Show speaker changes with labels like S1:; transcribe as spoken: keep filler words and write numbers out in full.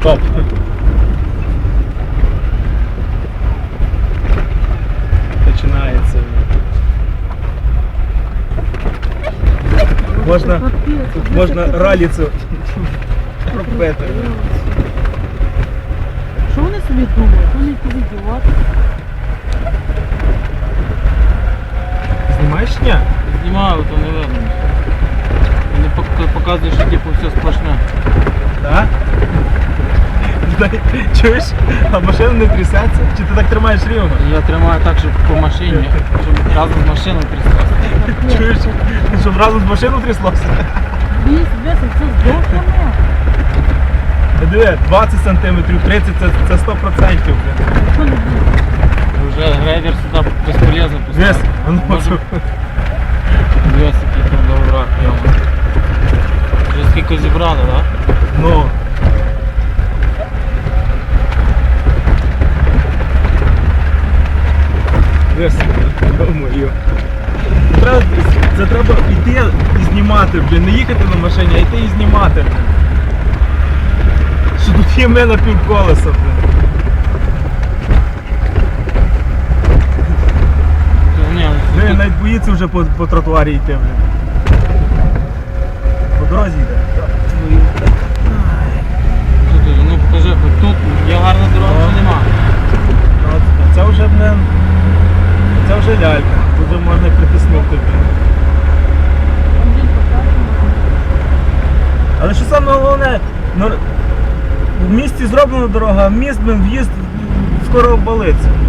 S1: Стоп. Починається. Можна, тут можна раліцю робити.
S2: Що вони собі думають? Вони якісь ідіоти.
S1: Знімаєш ні?
S3: Знімаю, то не видно. Вони пок- показують, що типу все сплошне.
S1: Так? Дай- Чуєш? А машина не трясеться? Чи ти так тримаєш рівно?
S3: Я тримаю так, щоб по машині, щоб разом з машиною тряслося.
S1: Чуєш? Щоб разом з машиною тряслося?
S2: Дивись, дивись, це здохне.
S1: Диви, двадцять сантиметрів, тридцять це, це сто відсотків.
S2: Що не буде?
S3: Вже грейдер сюди безполезно
S1: Дивись,
S3: поставити.
S1: а ну
S3: Може,
S1: це-
S3: дивись, який там доврак, йома. Вже скільки зібрали, так?
S1: Ну. Дивись, думаю. Треба, це треба йти і знімати, блін, не їхати на машині, а йти і знімати, блін. Що тут є ми на півколеса, блін.
S3: Ні,
S1: Ну,
S3: тут-
S1: навіть боїться вже по, по тротуарі йти, блін. По дорозі йде.
S3: тут, ну покажи, хоч тут є гарна дорога,
S1: Ага.
S3: чи нема.
S1: А це вже, блін, це вже лялька. Тут вже можна притиснути, блін.
S2: Там день показує.
S1: Але що саме головне, ну, в місті зроблена дорога, а міст, блін, в'їзд скоро обвалиться.